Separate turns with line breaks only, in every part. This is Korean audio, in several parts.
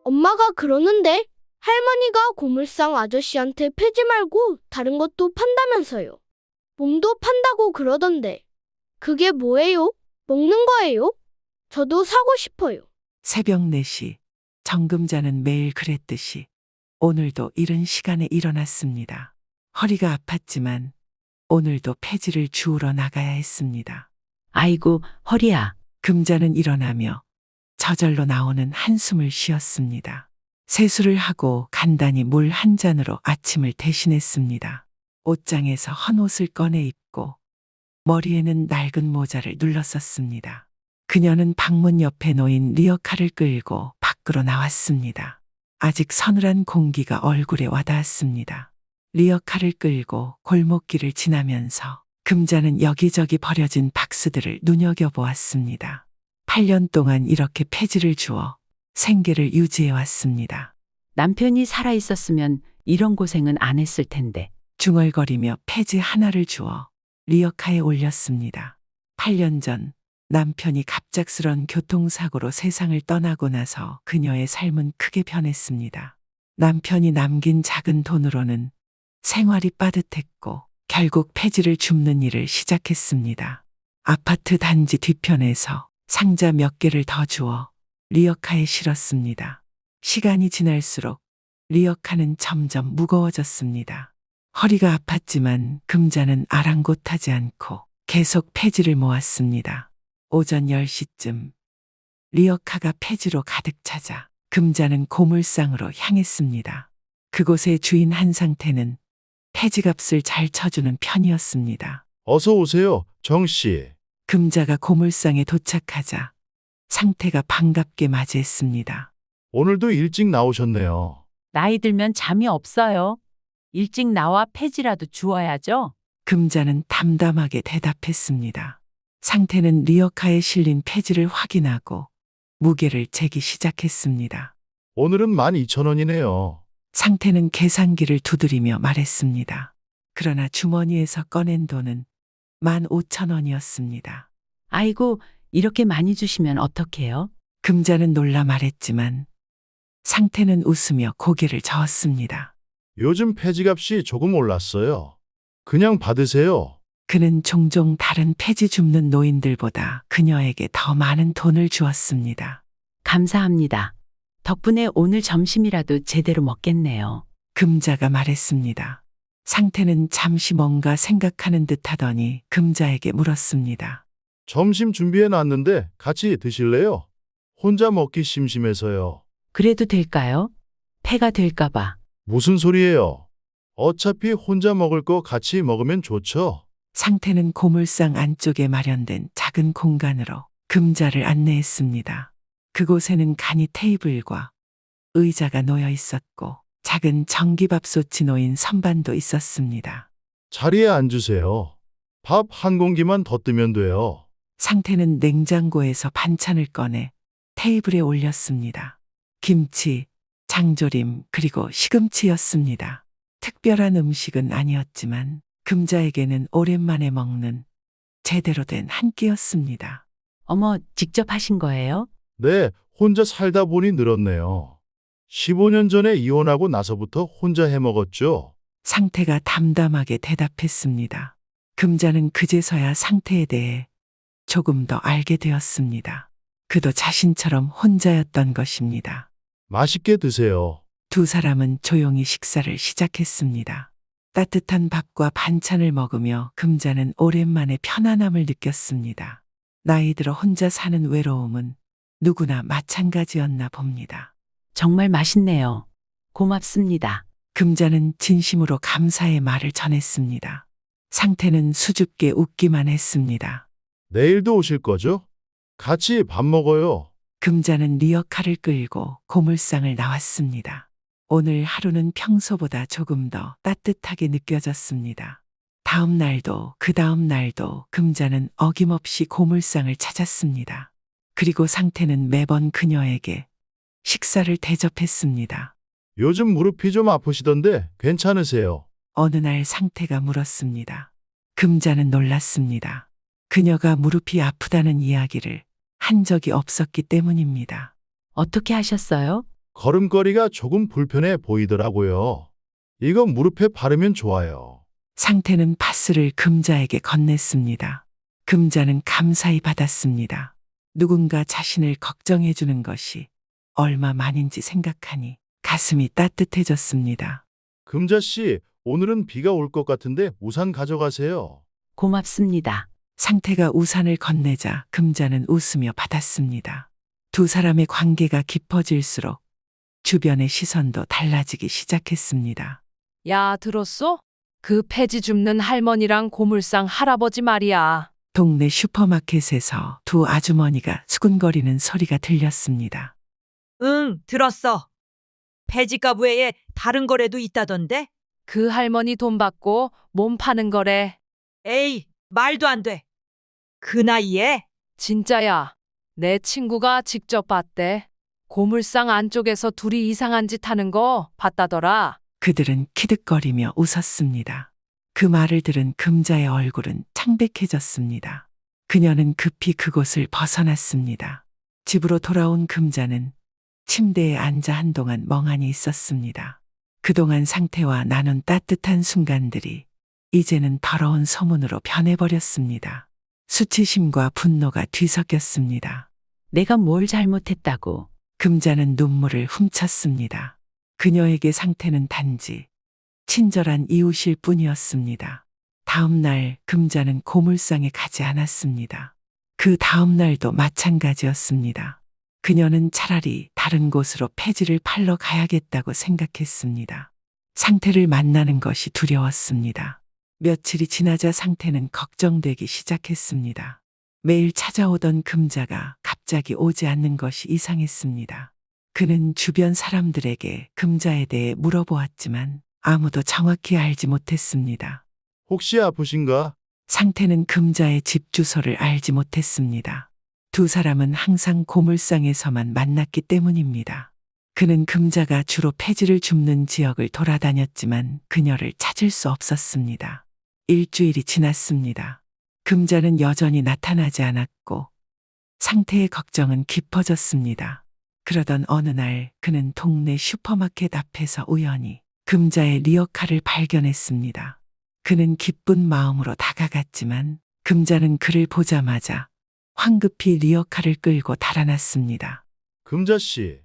엄마가 그러는데 할머니가 고물상 아저씨한테 패지 말고 다른 것도 판다면서요. 몸도 판다고 그러던데. 그게 뭐예요? 먹는 거예요? 저도 사고 싶어요.
새벽 4시 정금자는 매일 그랬듯이 오늘도 이른 시간에 일어났습니다. 허리가 아팠지만 오늘도 폐지를 주우러 나가야 했습니다.
아이고, 허리야.
금자는 일어나며 저절로 나오는 한숨을 쉬었습니다. 세수를 하고 간단히 물 한 잔으로 아침을 대신했습니다. 옷장에서 헌 옷을 꺼내 입고 머리에는 낡은 모자를 눌렀었습니다. 그녀는 방문 옆에 놓인 리어카를 끌고 밖으로 나왔습니다. 아직 서늘한 공기가 얼굴에 와닿았습니다. 리어카를 끌고 골목길을 지나면서 금자는 여기저기 버려진 박스들을 눈여겨보았습니다. 8년 동안 이렇게 폐지를 주어 생계를 유지해 왔습니다.
남편이 살아있었으면 이런 고생은 안 했을 텐데.
중얼거리며 폐지 하나를 주어 리어카에 올렸습니다. 8년 전 남편이 갑작스런 교통사고로 세상을 떠나고 나서 그녀의 삶은 크게 변했습니다. 남편이 남긴 작은 돈으로는 생활이 빠듯했고 결국 폐지를 줍는 일을 시작했습니다. 아파트 단지 뒤편에서 상자 몇 개를 더 주어 리어카에 실었습니다. 시간이 지날수록 리어카는 점점 무거워졌습니다. 허리가 아팠지만 금자는 아랑곳하지 않고 계속 폐지를 모았습니다. 오전 10시쯤 리어카가 폐지로 가득 차자 금자는 고물상으로 향했습니다. 그곳의 주인 한상태는 폐지값을 잘 쳐주는 편이었습니다.
어서 오세요, 정씨.
금자가 고물상에 도착하자 상태가 반갑게 맞이했습니다.
오늘도 일찍 나오셨네요.
나이 들면 잠이 없어요. 일찍 나와 폐지라도 주워야죠.
금자는 담담하게 대답했습니다. 상태는 리어카에 실린 폐지를 확인하고 무게를 재기 시작했습니다.
오늘은 12,000원이네요.
상태는 계산기를 두드리며 말했습니다. 그러나 주머니에서 꺼낸 돈은 15,000원이었습니다.
아이고, 이렇게 많이 주시면 어떡해요?
금자는 놀라 말했지만 상태는 웃으며 고개를 저었습니다.
요즘 폐지값이 조금 올랐어요. 그냥 받으세요.
그는 종종 다른 폐지 줍는 노인들보다 그녀에게 더 많은 돈을 주었습니다.
감사합니다. 덕분에 오늘 점심이라도 제대로 먹겠네요.
금자가 말했습니다. 상태는 잠시 뭔가 생각하는 듯 하더니 금자에게 물었습니다.
점심 준비해 놨는데 같이 드실래요? 혼자 먹기 심심해서요.
그래도 될까요? 폐가 될까봐.
무슨 소리예요? 어차피 혼자 먹을 거 같이 먹으면 좋죠.
상태는 고물상 안쪽에 마련된 작은 공간으로 금자를 안내했습니다. 그곳에는 간이 테이블과 의자가 놓여 있었고 작은 전기밥솥이 놓인 선반도 있었습니다.
자리에 앉으세요. 밥 한 공기만 더 뜨면 돼요.
상태는 냉장고에서 반찬을 꺼내 테이블에 올렸습니다. 김치, 장조림, 그리고 시금치였습니다. 특별한 음식은 아니었지만 금자에게는 오랜만에 먹는 제대로 된 한 끼였습니다.
어머, 직접 하신 거예요?
네, 혼자 살다 보니 늘었네요. 15년 전에 이혼하고 나서부터 혼자 해 먹었죠.
상태가 담담하게 대답했습니다. 금자는 그제서야 상태에 대해 조금 더 알게 되었습니다. 그도 자신처럼 혼자였던 것입니다.
맛있게 드세요.
두 사람은 조용히 식사를 시작했습니다. 따뜻한 밥과 반찬을 먹으며 금자는 오랜만에 편안함을 느꼈습니다. 나이 들어 혼자 사는 외로움은 누구나 마찬가지였나 봅니다.
정말 맛있네요. 고맙습니다.
금자는 진심으로 감사의 말을 전했습니다. 상태는 수줍게 웃기만 했습니다.
내일도 오실 거죠? 같이 밥 먹어요.
금자는 리어카를 끌고 고물상을 나왔습니다. 오늘 하루는 평소보다 조금 더 따뜻하게 느껴졌습니다. 다음 날도 그 다음 날도 금자는 어김없이 고물상을 찾았습니다. 그리고 상태는 매번 그녀에게 식사를 대접했습니다.
요즘 무릎이 좀 아프시던데 괜찮으세요?
어느 날 상태가 물었습니다. 금자는 놀랐습니다. 그녀가 무릎이 아프다는 이야기를 한 적이 없었기 때문입니다.
어떻게 하셨어요?
걸음걸이가 조금 불편해 보이더라고요. 이거 무릎에 바르면 좋아요.
상태는 파스를 금자에게 건넸습니다. 금자는 감사히 받았습니다. 누군가 자신을 걱정해 주는 것이 얼마만인지 생각하니 가슴이 따뜻해졌습니다.
금자 씨, 오늘은 비가 올 것 같은데 우산 가져가세요.
고맙습니다.
상태가 우산을 건네자 금자는 웃으며 받았습니다. 두 사람의 관계가 깊어질수록 주변의 시선도 달라지기 시작했습니다.
야, 들었어? 그 폐지 줍는 할머니랑 고물상 할아버지 말이야.
동네 슈퍼마켓에서 두 아주머니가 수근거리는 소리가 들렸습니다.
응, 들었어. 폐지값 외에 다른 거래도 있다던데?
그 할머니 돈 받고 몸 파는 거래.
에이, 말도 안 돼. 그 나이에?
진짜야. 내 친구가 직접 봤대. 고물상 안쪽에서 둘이 이상한 짓 하는 거 봤다더라.
그들은 키득거리며 웃었습니다. 그 말을 들은 금자의 얼굴은 창백해졌습니다. 그녀는 급히 그곳을 벗어났습니다. 집으로 돌아온 금자는 침대에 앉아 한동안 멍하니 있었습니다. 그동안 상태와 나눈 따뜻한 순간들이 이제는 더러운 소문으로 변해버렸습니다. 수치심과 분노가 뒤섞였습니다.
내가 뭘 잘못했다고.
금자는 눈물을 훔쳤습니다. 그녀에게 상태는 단지 친절한 이웃일 뿐이었습니다. 다음 날 금자는 고물상에 가지 않았습니다. 그 다음 날도 마찬가지였습니다. 그녀는 차라리 다른 곳으로 폐지를 팔러 가야겠다고 생각했습니다. 상태를 만나는 것이 두려웠습니다. 며칠이 지나자 상태는 걱정되기 시작했습니다. 매일 찾아오던 금자가 갑자기 오지 않는 것이 이상했습니다. 그는 주변 사람들에게 금자에 대해 물어보았지만 아무도 정확히 알지 못했습니다.
혹시 아프신가?
상태는 금자의 집 주소를 알지 못했습니다. 두 사람은 항상 고물상에서만 만났기 때문입니다. 그는 금자가 주로 폐지를 줍는 지역을 돌아다녔지만 그녀를 찾을 수 없었습니다. 일주일이 지났습니다. 금자는 여전히 나타나지 않았고 상태의 걱정은 깊어졌습니다. 그러던 어느 날 그는 동네 슈퍼마켓 앞에서 우연히 금자의 리어카를 발견했습니다. 그는 기쁜 마음으로 다가갔지만 금자는 그를 보자마자 황급히 리어카를 끌고 달아났습니다.
금자 씨,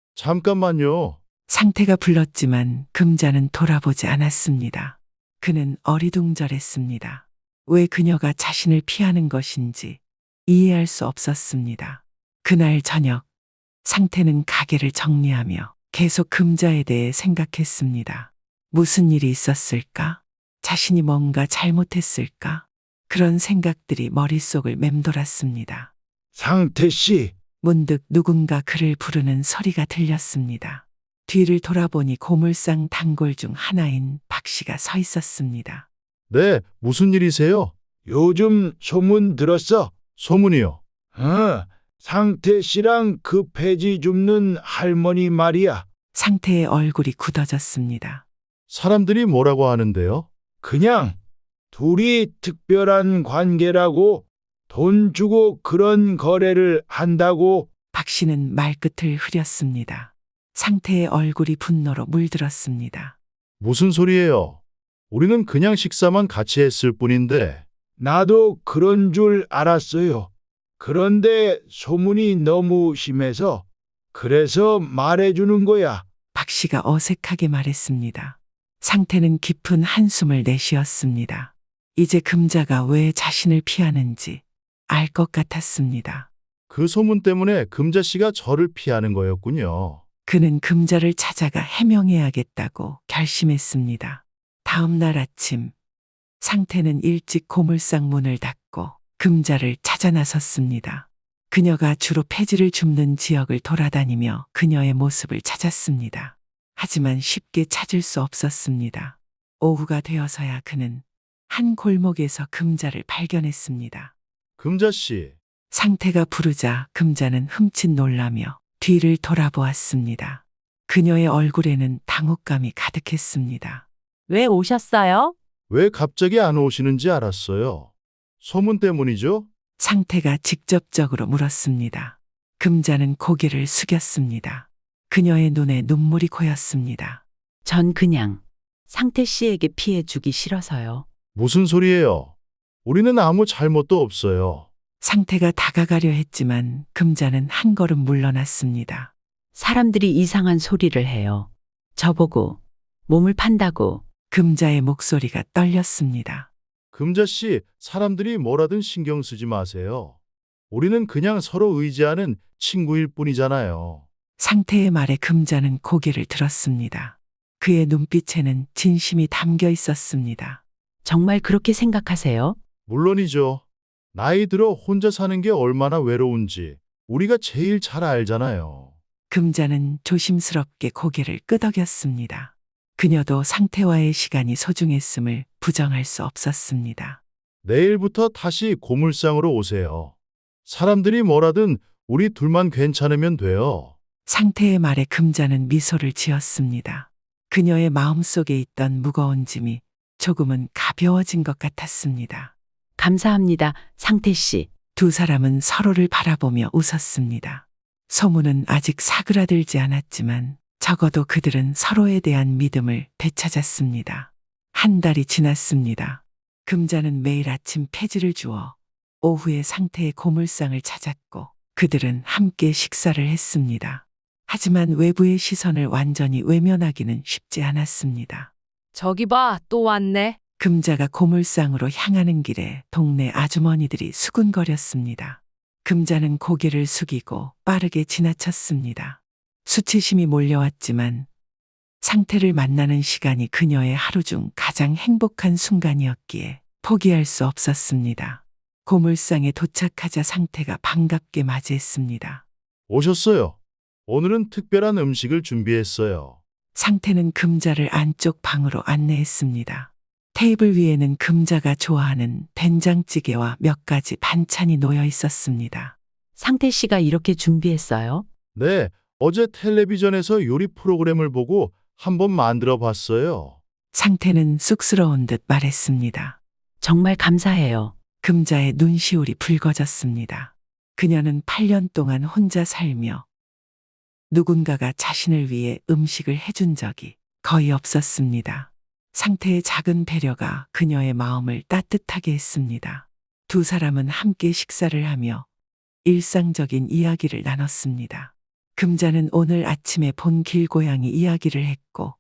잠깐만요.
상태가 불렀지만 금자는 돌아보지 않았습니다. 그는 어리둥절했습니다. 왜 그녀가 자신을 피하는 것인지 이해할 수 없었습니다. 그날 저녁 상태는 가게를 정리하며 계속 금자에 대해 생각했습니다. 무슨 일이 있었을까? 자신이 뭔가 잘못했을까? 그런 생각들이 머릿속을 맴돌았습니다.
상태 씨,
문득 누군가 그를 부르는 소리가 들렸습니다. 뒤를 돌아보니 고물상 단골 중 하나인 박 씨가 서 있었습니다.
네, 무슨 일이세요?
요즘 소문 들었어?
소문이요.
상태 씨랑 그 폐지 줍는 할머니 말이야.
상태의 얼굴이 굳어졌습니다.
사람들이 뭐라고 하는데요?
그냥 둘이 특별한 관계라고, 돈 주고 그런 거래를 한다고.
박 씨는 말끝을 흐렸습니다. 상태의 얼굴이 분노로 물들었습니다.
무슨 소리예요? 우리는 그냥 식사만 같이 했을 뿐인데.
나도 그런 줄 알았어요. 그런데 소문이 너무 심해서 그래서 말해주는 거야.
박 씨가 어색하게 말했습니다. 상태는 깊은 한숨을 내쉬었습니다. 이제 금자가 왜 자신을 피하는지 알 것 같았습니다.
그 소문 때문에 금자 씨가 저를 피하는 거였군요.
그는 금자를 찾아가 해명해야겠다고 결심했습니다. 다음 날 아침, 상태는 일찍 고물상 문을 닫고 금자를 찾아 나섰습니다. 그녀가 주로 폐지를 줍는 지역을 돌아다니며 그녀의 모습을 찾았습니다. 하지만 쉽게 찾을 수 없었습니다. 오후가 되어서야 그는 한 골목에서 금자를 발견했습니다.
금자 씨,
상태가 부르자 금자는 흠칫 놀라며 뒤를 돌아보았습니다. 그녀의 얼굴에는 당혹감이 가득했습니다.
왜 오셨어요?
왜 갑자기 안 오시는지 알았어요. 소문 때문이죠?
상태가 직접적으로 물었습니다. 금자는 고개를 숙였습니다. 그녀의 눈에 눈물이 고였습니다.
전 그냥 상태 씨에게 피해 주기 싫어서요.
무슨 소리예요? 우리는 아무 잘못도 없어요.
상태가 다가가려 했지만 금자는 한 걸음 물러났습니다.
사람들이 이상한 소리를 해요. 저보고 몸을 판다고.
금자의 목소리가 떨렸습니다.
금자 씨, 사람들이 뭐라든 신경 쓰지 마세요. 우리는 그냥 서로 의지하는 친구일 뿐이잖아요.
상태의 말에 금자는 고개를 들었습니다. 그의 눈빛에는 진심이 담겨 있었습니다.
정말 그렇게 생각하세요?
물론이죠. 나이 들어 혼자 사는 게 얼마나 외로운지 우리가 제일 잘 알잖아요.
금자는 조심스럽게 고개를 끄덕였습니다. 그녀도 상태와의 시간이 소중했음을 부정할 수 없었습니다.
내일부터 다시 고물상으로 오세요. 사람들이 뭐라든 우리 둘만 괜찮으면 돼요.
상태의 말에 금자는 미소를 지었습니다. 그녀의 마음속에 있던 무거운 짐이 조금은 가벼워진 것 같았습니다.
감사합니다, 상태 씨.
두 사람은 서로를 바라보며 웃었습니다. 소문은 아직 사그라들지 않았지만 적어도 그들은 서로에 대한 믿음을 되찾았습니다. 한 달이 지났습니다. 금자는 매일 아침 폐지를 주어 오후에 상태의 고물상을 찾았고 그들은 함께 식사를 했습니다. 하지만 외부의 시선을 완전히 외면하기는 쉽지 않았습니다.
저기 봐, 또 왔네.
금자가 고물상으로 향하는 길에 동네 아주머니들이 수군거렸습니다. 금자는 고개를 숙이고 빠르게 지나쳤습니다. 수치심이 몰려왔지만 상태를 만나는 시간이 그녀의 하루 중 가장 행복한 순간이었기에 포기할 수 없었습니다. 고물상에 도착하자 상태가 반갑게 맞이했습니다.
오셨어요. 오늘은 특별한 음식을 준비했어요.
상태는 금자를 안쪽 방으로 안내했습니다. 테이블 위에는 금자가 좋아하는 된장찌개와 몇 가지 반찬이 놓여 있었습니다.
상태 씨가 이렇게 준비했어요?
네, 어제 텔레비전에서 요리 프로그램을 보고 한번 만들어 봤어요.
상태는 쑥스러운 듯 말했습니다.
정말 감사해요.
금자의 눈시울이 붉어졌습니다. 그녀는 8년 동안 혼자 살며 누군가가 자신을 위해 음식을 해준 적이 거의 없었습니다. 상태의 작은 배려가 그녀의 마음을 따뜻하게 했습니다. 두 사람은 함께 식사를 하며 일상적인 이야기를 나눴습니다. 금자는 오늘 아침에 본 길고양이 이야기를 했고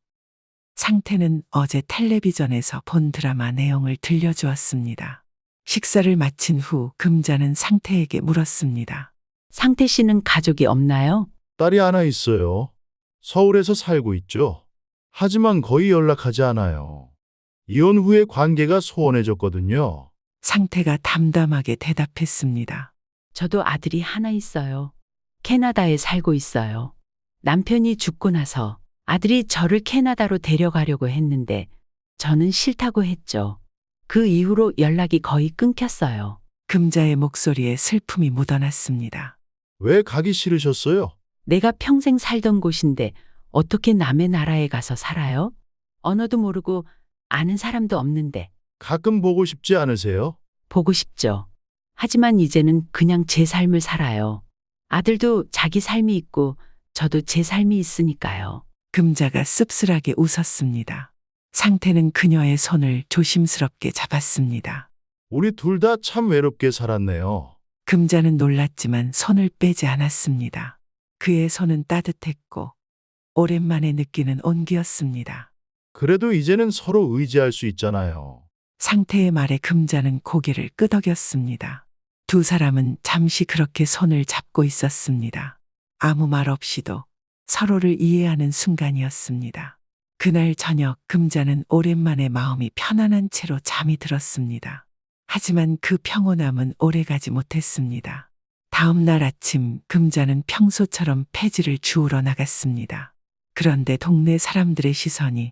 상태는 어제 텔레비전에서 본 드라마 내용을 들려주었습니다. 식사를 마친 후 금자는 상태에게 물었습니다.
상태 씨는 가족이 없나요?
딸이 하나 있어요. 서울에서 살고 있죠. 하지만 거의 연락하지 않아요. 이혼 후에 관계가 소원해졌거든요.
상태가 담담하게 대답했습니다.
저도 아들이 하나 있어요. 캐나다에 살고 있어요. 남편이 죽고 나서 아들이 저를 캐나다로 데려가려고 했는데 저는 싫다고 했죠. 그 이후로 연락이 거의 끊겼어요.
금자의 목소리에 슬픔이 묻어났습니다.
왜 가기 싫으셨어요?
내가 평생 살던 곳인데 어떻게 남의 나라에 가서 살아요? 언어도 모르고 아는 사람도 없는데.
가끔 보고 싶지 않으세요?
보고 싶죠. 하지만 이제는 그냥 제 삶을 살아요. 아들도 자기 삶이 있고 저도 제 삶이 있으니까요.
금자가 씁쓸하게 웃었습니다. 상태는 그녀의 손을 조심스럽게 잡았습니다.
우리 둘 다 참 외롭게 살았네요.
금자는 놀랐지만 손을 빼지 않았습니다. 그의 손은 따뜻했고 오랜만에 느끼는 온기였습니다.
그래도 이제는 서로 의지할 수 있잖아요.
상태의 말에 금자는 고개를 끄덕였습니다. 두 사람은 잠시 그렇게 손을 잡고 있었습니다. 아무 말 없이도 서로를 이해하는 순간이었습니다. 그날 저녁 금자는 오랜만에 마음이 편안한 채로 잠이 들었습니다. 하지만 그 평온함은 오래가지 못했습니다. 다음 날 아침 금자는 평소처럼 폐지를 주우러 나갔습니다. 그런데 동네 사람들의 시선이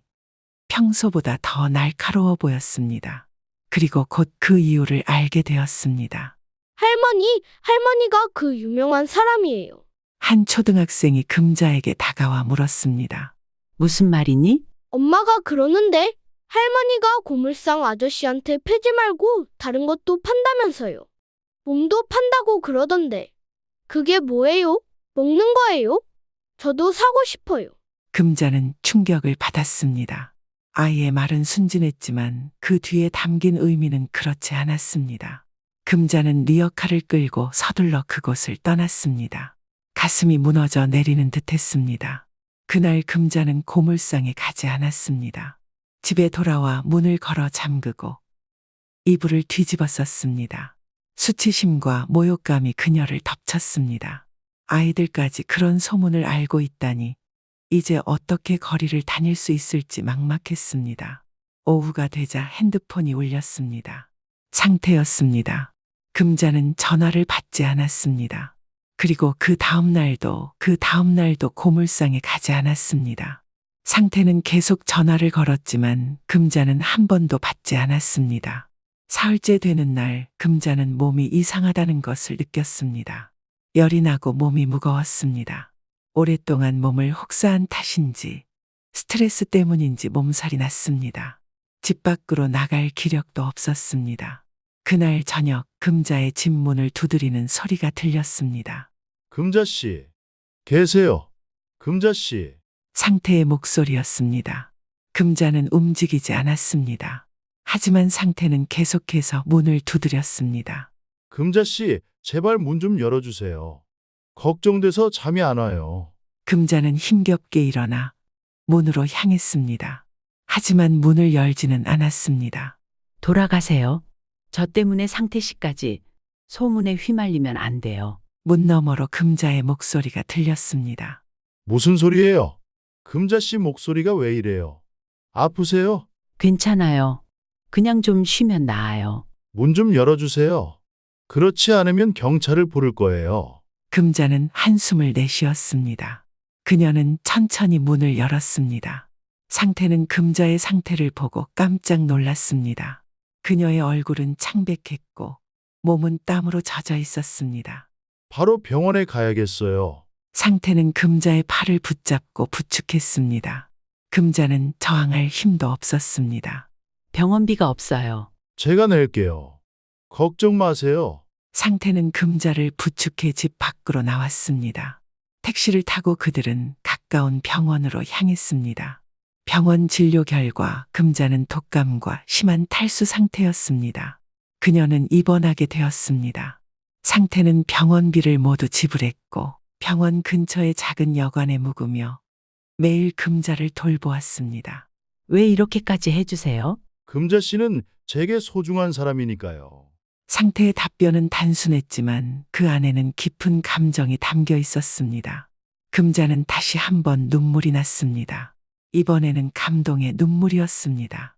평소보다 더 날카로워 보였습니다. 그리고 곧 그 이유를 알게 되었습니다.
할머니가 그 유명한 사람이에요.
한 초등학생이 금자에게 다가와 물었습니다.
무슨 말이니?
엄마가 그러는데 할머니가 고물상 아저씨한테 폐지 말고 다른 것도 판다면서요. 몸도 판다고 그러던데. 그게 뭐예요? 먹는 거예요? 저도 사고 싶어요.
금자는 충격을 받았습니다. 아이의 말은 순진했지만 그 뒤에 담긴 의미는 그렇지 않았습니다. 금자는 리어카를 끌고 서둘러 그곳을 떠났습니다. 가슴이 무너져 내리는 듯했습니다. 그날 금자는 고물상에 가지 않았습니다. 집에 돌아와 문을 걸어 잠그고 이불을 뒤집어 썼습니다. 수치심과 모욕감이 그녀를 덮쳤습니다. 아이들까지 그런 소문을 알고 있다니 이제 어떻게 거리를 다닐 수 있을지 막막했습니다. 오후가 되자 핸드폰이 울렸습니다. 상태였습니다. 금자는 전화를 받지 않았습니다. 그리고 그 다음 날도 고물상에 가지 않았습니다. 상태는 계속 전화를 걸었지만 금자는 한 번도 받지 않았습니다. 사흘째 되는 날 금자는 몸이 이상하다는 것을 느꼈습니다. 열이 나고 몸이 무거웠습니다. 오랫동안 몸을 혹사한 탓인지 스트레스 때문인지 몸살이 났습니다. 집 밖으로 나갈 기력도 없었습니다. 그날 저녁 금자의 집 문을 두드리는 소리가 들렸습니다.
금자 씨, 계세요. 금자 씨.
상태의 목소리였습니다. 금자는 움직이지 않았습니다. 하지만 상태는 계속해서 문을 두드렸습니다.
금자 씨, 제발 문 좀 열어주세요. 걱정돼서 잠이 안 와요.
금자는 힘겹게 일어나 문으로 향했습니다. 하지만 문을 열지는 않았습니다.
돌아가세요. 저 때문에 상태 씨까지 소문에 휘말리면 안 돼요.
문 너머로 금자의 목소리가 들렸습니다.
무슨 소리예요? 금자 씨 목소리가 왜 이래요? 아프세요?
괜찮아요. 그냥 좀 쉬면 나아요.
문 좀 열어주세요. 그렇지 않으면 경찰을 부를 거예요.
금자는 한숨을 내쉬었습니다. 그녀는 천천히 문을 열었습니다. 상태는 금자의 상태를 보고 깜짝 놀랐습니다. 그녀의 얼굴은 창백했고 몸은 땀으로 젖어 있었습니다.
바로 병원에 가야겠어요.
상태는 금자의 팔을 붙잡고 부축했습니다. 금자는 저항할 힘도 없었습니다.
병원비가 없어요.
제가 낼게요. 걱정 마세요.
상태는 금자를 부축해 집 밖으로 나왔습니다. 택시를 타고 그들은 가까운 병원으로 향했습니다. 병원 진료 결과 금자는 독감과 심한 탈수 상태였습니다. 그녀는 입원하게 되었습니다. 상태는 병원비를 모두 지불했고 병원 근처의 작은 여관에 묵으며 매일 금자를 돌보았습니다.
왜 이렇게까지 해주세요?
금자 씨는 제게 소중한 사람이니까요.
상태의 답변은 단순했지만 그 안에는 깊은 감정이 담겨 있었습니다. 금자는 다시 한번 눈물이 났습니다. 이번에는 감동의 눈물이었습니다.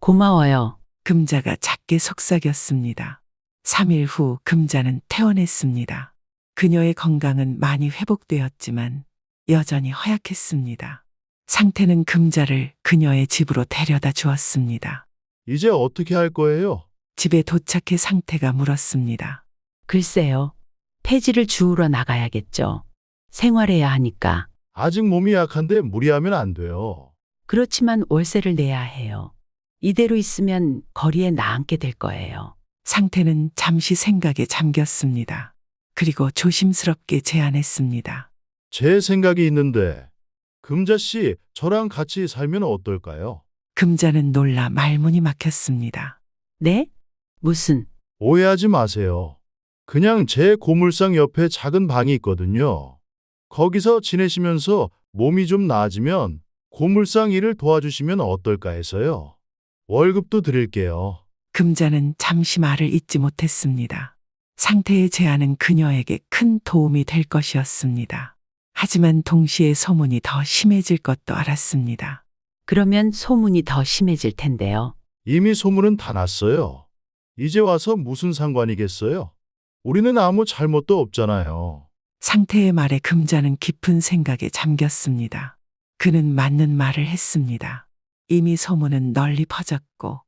고마워요.
금자가 작게 속삭였습니다. 3일 후 금자는 퇴원했습니다. 그녀의 건강은 많이 회복되었지만 여전히 허약했습니다. 상태는 금자를 그녀의 집으로 데려다 주었습니다.
이제 어떻게 할 거예요?
집에 도착해 상태가 물었습니다.
글쎄요. 폐지를 주우러 나가야겠죠. 생활해야 하니까.
아직 몸이 약한데 무리하면 안 돼요.
그렇지만 월세를 내야 해요. 이대로 있으면 거리에 나앉게 될 거예요.
상태는 잠시 생각에 잠겼습니다. 그리고 조심스럽게 제안했습니다.
제 생각이 있는데 금자 씨 저랑 같이 살면 어떨까요?
금자는 놀라 말문이 막혔습니다.
네? 무슨?
오해하지 마세요. 그냥 제 고물상 옆에 작은 방이 있거든요. 거기서 지내시면서 몸이 좀 나아지면 고물상 일을 도와주시면 어떨까 해서요. 월급도 드릴게요.
금자는 잠시 말을 잇지 못했습니다. 상태의 제안은 그녀에게 큰 도움이 될 것이었습니다. 하지만 동시에 소문이 더 심해질 것도 알았습니다.
그러면 소문이 더 심해질 텐데요.
이미 소문은 다 났어요. 이제 와서 무슨 상관이겠어요? 우리는 아무 잘못도 없잖아요.
상태의 말에 금자는 깊은 생각에 잠겼습니다. 그는 맞는 말을 했습니다. 이미 소문은 널리 퍼졌고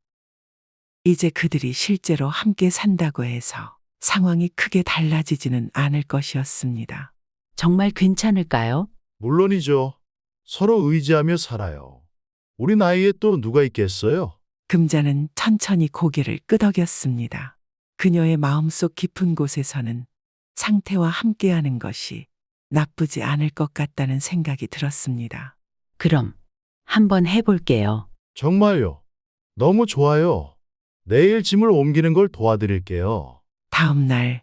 이제 그들이 실제로 함께 산다고 해서 상황이 크게 달라지지는 않을 것이었습니다.
정말 괜찮을까요?
물론이죠. 서로 의지하며 살아요. 우리 나이에 또 누가 있겠어요?
금자는 천천히 고개를 끄덕였습니다. 그녀의 마음속 깊은 곳에서는 상태와 함께하는 것이 나쁘지 않을 것 같다는 생각이 들었습니다.
그럼 한번 해볼게요.
정말요. 너무 좋아요. 내일 짐을 옮기는 걸 도와드릴게요.
다음 날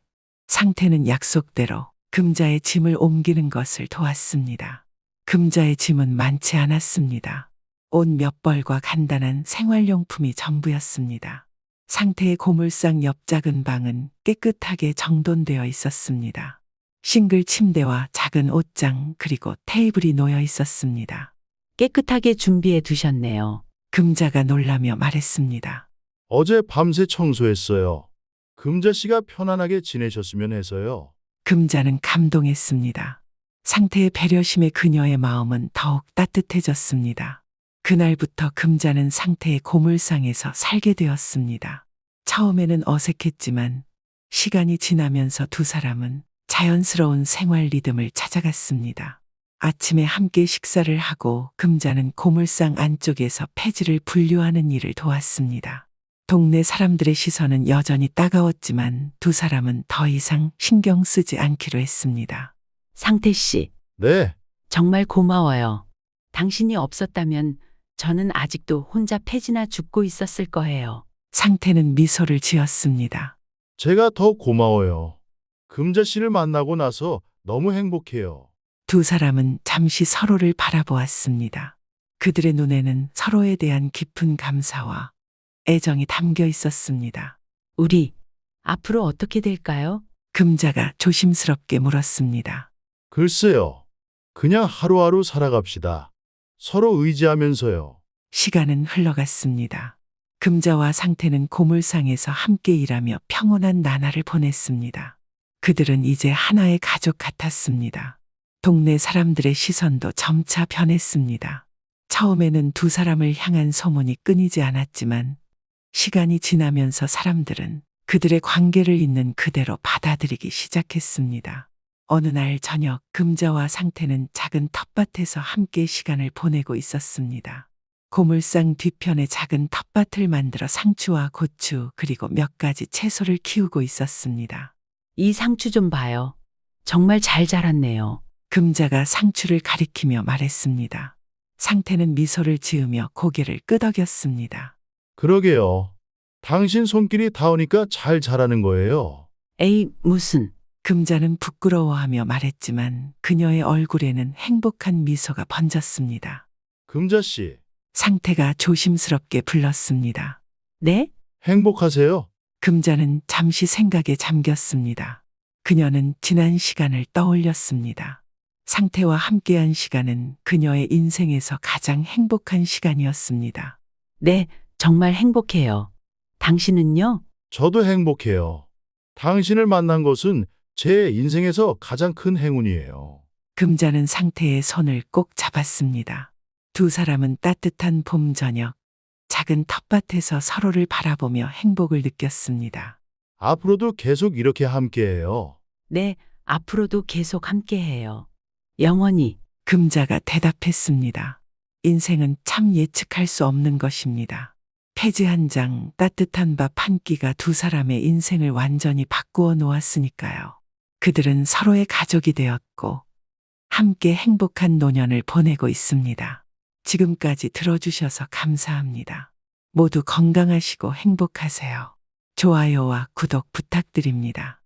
상태는 약속대로 금자의 짐을 옮기는 것을 도왔습니다. 금자의 짐은 많지 않았습니다. 옷 몇 벌과 간단한 생활용품이 전부였습니다. 상태의 고물상 옆 작은 방은 깨끗하게 정돈되어 있었습니다. 싱글 침대와 작은 옷장 그리고 테이블이 놓여 있었습니다.
깨끗하게 준비해 두셨네요.
금자가 놀라며 말했습니다.
어제 밤새 청소했어요. 금자 씨가 편안하게 지내셨으면 해서요.
금자는 감동했습니다. 상태의 배려심에 그녀의 마음은 더욱 따뜻해졌습니다. 그날부터 금자는 상태의 고물상에서 살게 되었습니다. 처음에는 어색했지만 시간이 지나면서 두 사람은 자연스러운 생활 리듬을 찾아갔습니다. 아침에 함께 식사를 하고 금자는 고물상 안쪽에서 폐지를 분류하는 일을 도왔습니다. 동네 사람들의 시선은 여전히 따가웠지만 두 사람은 더 이상 신경 쓰지 않기로 했습니다.
상태 씨,
네,
정말 고마워요. 당신이 없었다면 저는 아직도 혼자 폐지나 죽고 있었을 거예요.
상태는 미소를 지었습니다.
제가 더 고마워요. 금자 씨를 만나고 나서 너무 행복해요.
두 사람은 잠시 서로를 바라보았습니다. 그들의 눈에는 서로에 대한 깊은 감사와 애정이 담겨 있었습니다.
우리 앞으로 어떻게 될까요?
금자가 조심스럽게 물었습니다.
글쎄요. 그냥 하루하루 살아갑시다. 서로 의지하면서요.
시간은 흘러갔습니다. 금자와 상태는 고물상에서 함께 일하며 평온한 나날을 보냈습니다. 그들은 이제 하나의 가족 같았습니다. 동네 사람들의 시선도 점차 변했습니다. 처음에는 두 사람을 향한 소문이 끊이지 않았지만 시간이 지나면서 사람들은 그들의 관계를 있는 그대로 받아들이기 시작했습니다. 어느 날 저녁 금자와 상태는 작은 텃밭에서 함께 시간을 보내고 있었습니다. 고물상 뒤편에 작은 텃밭을 만들어 상추와 고추 그리고 몇 가지 채소를 키우고 있었습니다.
이 상추 좀 봐요. 정말 잘 자랐네요.
금자가 상추를 가리키며 말했습니다. 상태는 미소를 지으며 고개를 끄덕였습니다.
그러게요. 당신 손길이 닿으니까 잘 자라는 거예요.
에이, 무슨.
금자는 부끄러워하며 말했지만 그녀의 얼굴에는 행복한 미소가 번졌습니다.
금자 씨,
상태가 조심스럽게 불렀습니다.
네?
행복하세요?
금자는 잠시 생각에 잠겼습니다. 그녀는 지난 시간을 떠올렸습니다. 상태와 함께한 시간은 그녀의 인생에서 가장 행복한 시간이었습니다.
네, 정말 행복해요. 당신은요?
저도 행복해요. 당신을 만난 것은 제 인생에서 가장 큰 행운이에요.
금자는 상태의 손을 꼭 잡았습니다. 두 사람은 따뜻한 봄 저녁, 작은 텃밭에서 서로를 바라보며 행복을 느꼈습니다.
앞으로도 계속 이렇게 함께해요.
네, 앞으로도 계속 함께해요. 영원히.
금자가 대답했습니다. 인생은 참 예측할 수 없는 것입니다. 폐지 한 장, 따뜻한 밥 한 끼가 두 사람의 인생을 완전히 바꾸어 놓았으니까요. 그들은 서로의 가족이 되었고 함께 행복한 노년을 보내고 있습니다. 지금까지 들어주셔서 감사합니다. 모두 건강하시고 행복하세요. 좋아요와 구독 부탁드립니다.